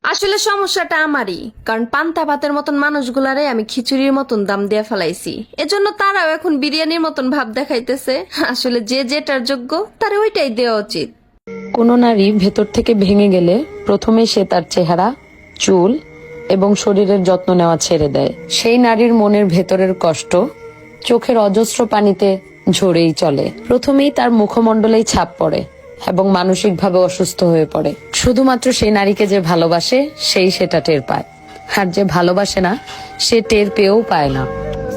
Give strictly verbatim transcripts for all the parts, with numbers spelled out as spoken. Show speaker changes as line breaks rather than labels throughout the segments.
আসলে সমস্যাটা আমারই, কারণ পান্তা ভাতের মতন মানুষগুলারে আমি খিচুড়ির মতন দাম দিয়ে ফেলাইছি। এজন্য তারাও এখন বিরিয়ানির মতন ভাব দেখাইতেছে। আসলে যে যেটার যোগ্য তারে ওইটাই দেওয়া উচিত।
কোনো নারী ভেতর থেকে ভেঙে গেলে প্রথমে সে তার চেহারা, চুল এবং শরীরের যত্ন নেওয়া ছেড়ে দেয়। সেই নারীর মনের ভেতরের কষ্ট চোখের অজস্র পানিতে ঝরেই চলে। প্রথমেই তার মুখমণ্ডলেই ছাপ পড়ে এবং মানসিকভাবে অসুস্থ হয়ে পড়ে। শুধুমাত্র সেই নারীকে যে ভালোবাসে সেই সেটা টের পায়, আর যে ভালোবাসে না সে টের পেয়েও পায় না।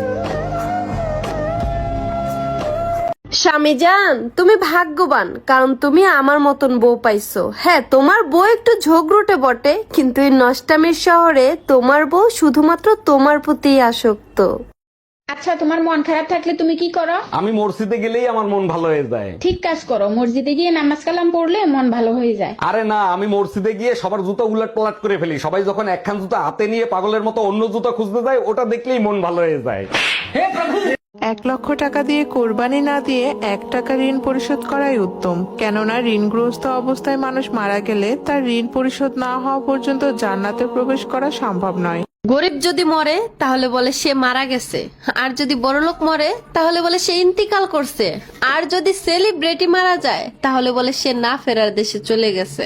স্বামী জান, তুমি ভাগ্যবান, কারণ তুমি আমার মতন বউ পাইছো। হ্যাঁ, তোমার বউ একটু ঝগড়ুটে বটে, কিন্তু এই নষ্টামির শহরে তোমার বউ শুধুমাত্র তোমার প্রতি আসক্ত।
আচ্ছা, তোমার মন খারাপ থাকলে তুমি কি করো?
আমি মসজিদে গেলেই আমার মন ভালো হয়ে যায়।
ঠিক কাজ করো, মসজিদে গিয়ে নামাজ কালাম পড়লে মন ভালো হয়ে যায়।
আরে না, আমি মসজিদে গিয়ে সবার জুতা উলট পালট করে ফেলি। সবাই যখন একখান জুতা হাতে নিয়ে পাগলের মতো অন্য জুতা খুঁজতে যায়, ওটা দেখলেই মন ভালো হয়ে যায়।
এক লক্ষ টাকা দিয়ে কোরবানি না দিয়ে এক টাকা ঋণ পরিশোধ করাই উত্তম। কেননা ঋণগ্রস্ত অবস্থায় মানুষ মারা গেলে তার ঋণ পরিশোধ না হওয়া পর্যন্ত জান্নাতে প্রবেশ করা সম্ভব নয়।
গরিব যদি মরে তাহলে বলে সে মারা গেছে, আর যদি বড়লোক মরে তাহলে বলে সে ইন্তিকাল করছে, আর যদি সেলিব্রিটি মারা যায় তাহলে বলে সে না ফেরার দেশে চলে গেছে।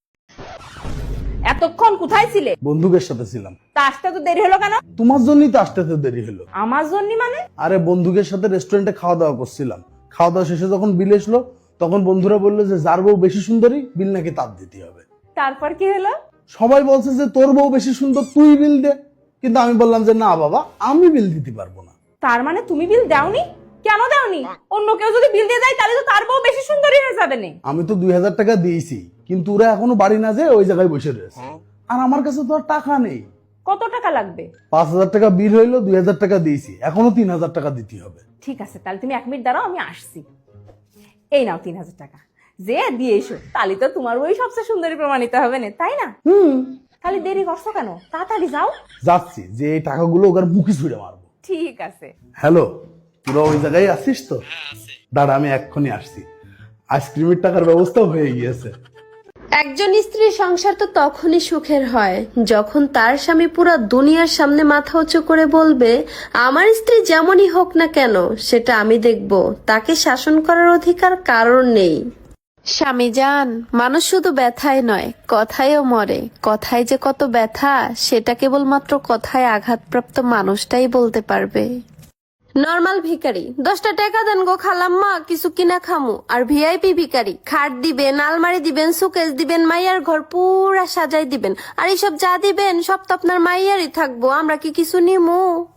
এতক্ষণ কোথায় ছিলে?
বন্ধুকের সাথে ছিলাম।
তা আসতে তো দেরি হলো কেন?
তোমার জন্যই তো আসতে তো দেরি হলো।
আমার জন্য মানে?
আরে বন্ধুকের সাথে রেস্টুরেন্টে খাওয়া দাওয়া করছিলাম। খাওয়া দাওয়া শেষে যখন বিল এসলো, তখন বন্ধুরা বললো যে যার বউ বেশি সুন্দরী বিল নাকি তার দিতে হবে।
তারপর কি হলো?
সবাই বলছে যে তোর বউ বেশি সুন্দর, তুই বিল দে। কিন্তু আমি বললাম যে না বাবা, আমি বিল দিতে পারবো না।
তার মানে তুমি বিল দাওনি? কেন দাওনি? অন্য কেউ যদি বিল দিয়ে যায় তাহলে তো তার বউ বেশি সুন্দরী হয়ে যাবে না।
আমি তো দুই হাজার টাকা দিয়েছি, কিন্তু ওরা এখনো বাড়ি না যেয়ে ওই জায়গায় বসে রয়েছে। আর আমার কাছে তো আর টাকা নেই।
কত টাকা লাগবে?
পাঁচ হাজার টাকা বিল হইলো, দুই হাজার টাকা দিয়েছি, এখনো তিন হাজার টাকা দিতে হবে।
ঠিক আছে, তাহলে তুমি এক মিনিট দাঁড়াও, আমি আসছি। এই নাও তিন হাজার টাকা, যে দিয়ে এসো, তাহলে তো তোমার বই সবচেয়ে সুন্দরী প্রমাণিত হবে না, তাই না?
হুম,
তাহলে দেরি করছো কেন? তাড়াতাড়ি যাও।
যাচ্ছি, যে এই টাকাগুলো ওর মুখে ছুঁড়ে মারবো।
ঠিক আছে।
হ্যালো, তোরা ওই জায়গায় আসিস তো? দাঁড়া, আমি এক্ষুনি আসছি। আইসক্রিমের টাকার ব্যবস্থাও হয়ে গিয়েছে।
একজন স্ত্রীর সংসার তো তখনই সুখের হয় যখন তার স্বামী পুরো দুনিয়ার সামনে মাথা উঁচু করে বলবে, আমার স্ত্রী যেমনই হোক না কেন সেটা আমি দেখব, তাকে শাসন করার অধিকার কারণ নেই। স্বামী জান, মানুষ শুধু ব্যথায় নয় কথায়ও মরে। কথায় যে কত ব্যথা সেটা কেবলমাত্র কথায় আঘাতপ্রাপ্ত মানুষটাই বলতে পারবে। নরমাল ভিখারি দশটা টাকা দেন গো খালাম্মা, কিছু কিনা খামু। আর ভিআইপি ভিখারি খাট দিবেন, আলমারি দিবেন, সুকেস দিবেন, মাইয়ার ঘর পুরা সাজাই দিবেন। আর এইসব যা দিবেন সব তো আপনার মাইয়ারই থাকবো, আমরা কি কিছু নিমু?